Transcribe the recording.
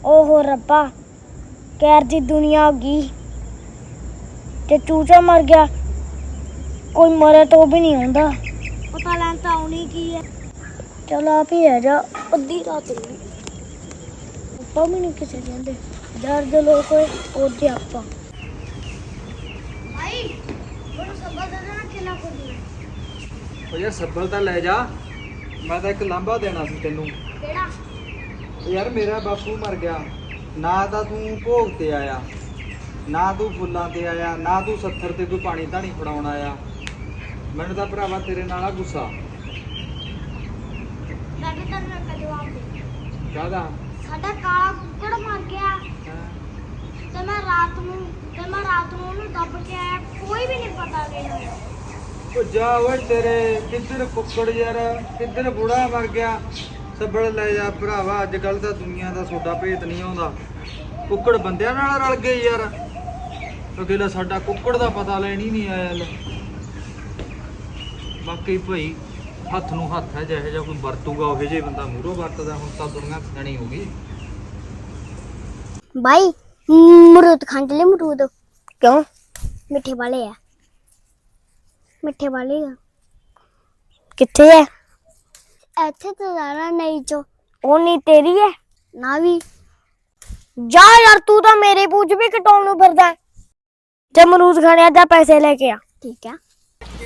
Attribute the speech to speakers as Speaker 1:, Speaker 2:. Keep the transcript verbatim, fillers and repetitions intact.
Speaker 1: ओहो रब्बा, कैर दी दुनिया होगी ते चूचा मर गया। कोई मरे तो भी नहीं होता, पता लैन तो आनी की है। चल आप ही है जा, अद्धी रात हो गई, आपा भी नहीं किसी कहते। दर्द लोग होए और जे आपा भाई बोलो सब्बल दे देना किला को दिया।
Speaker 2: ओ यार सब्बल ਤਾਂ ਲੈ ਜਾ। ਮੈਂ ਤਾਂ ਇੱਕ ਲਾਂਭਾ ਦੇਣਾ ਸੀ ਤੈਨੂੰ।
Speaker 1: केड़ा?
Speaker 2: ਯਾਰ ਮੇਰਾ ਬਾਪੂ ਮਰ ਗਿਆ, ਨਾ ਤਾਂ ਤੂੰ ਭੋਗ ਤੇ ਆਇਆ, ਨਾ ਤੂੰ ਫੁੱਲਾਂ ਤੇ ਆਇਆ, ਨਾ ਤੂੰ ਸੱਥਰ ਤੇ ਕੋਈ ਪਾਣੀ ਧਾਣੀ ਫੜਾਉਣ ਆਇਆ। ਮੈਨੂੰ ਤਾਂ ਭਰਾਵਾ ਤੇਰੇ ਨਾਲ ਆ ਗੁੱਸਾ।
Speaker 1: मैं भी तेरे का जवाब दे।
Speaker 2: ਕਾਹਦਾ?
Speaker 1: साडा काला कुक्कड़ मर गया ते मैं रात ਨੂੰ ਤੇ ਮੈਂ ਰਾਤ ਨੂੰ ਉਹਨੂੰ ਦੱਬ ਕੇ ਆਇਆ, ਕੋਈ ਵੀ ਨਹੀਂ ਪਤਾ ਗਿਆ।
Speaker 2: ਉਹ ਜਾ ਓਏ ਤੇਰੇ ਕਿੱਧਰ ਕੁੱਕੜ ਯਾਰ, ਕਿੱਧਰ ਬੁੜਾ ਮਰ ਗਿਆ। ਸੱਬਲ ਲੈ ਜਾ ਭਰਾਵਾ, ਅੱਜ ਕੱਲ ਤਾਂ ਦੁਨੀਆ ਦਾ ਸੋਡਾ ਭੇਤ ਨਹੀਂ ਆਉਂਦਾ। ਕੁੱਕੜ ਬੰਦਿਆਂ ਨਾਲ ਰਲ ਗਏ ਯਾਰ। ਅਗੇਲਾ ਸਾਡਾ ਕੁੱਕੜ ਦਾ ਪਤਾ ਲੈਣ ਹੀ ਨਹੀਂ ਆਇਆ। ਲੈ ਬਾਕੀ ਭਾਈ ਹੱਥ ਨੂੰ ਹੱਥ ਹੈ, ਜਿਹੋ ਜਿਹਾ ਕੋਈ ਵਰਤੂਗਾ ਉਹ ਜਿਹੇ ਬੰਦਾ ਮੂਹਰੋਂ ਵਰਤਦਾ। ਹੁਣ ਤਾਂ ਦੁਨੀਆ ਖਣੀ ਹੋ ਗਈ।
Speaker 1: भाई अमरूद खाने के लिए अमरूद क्यों मिठे वाले है मिठे वाले किथे है ऐथे तो ज़्यादा नहीं जो वो नहीं तेरी है ना भी जा यार तू तो मेरे पूछ भी कटाउन फिरदा है। जब अमरूद खाने जा पैसे लेके आ ठीक है।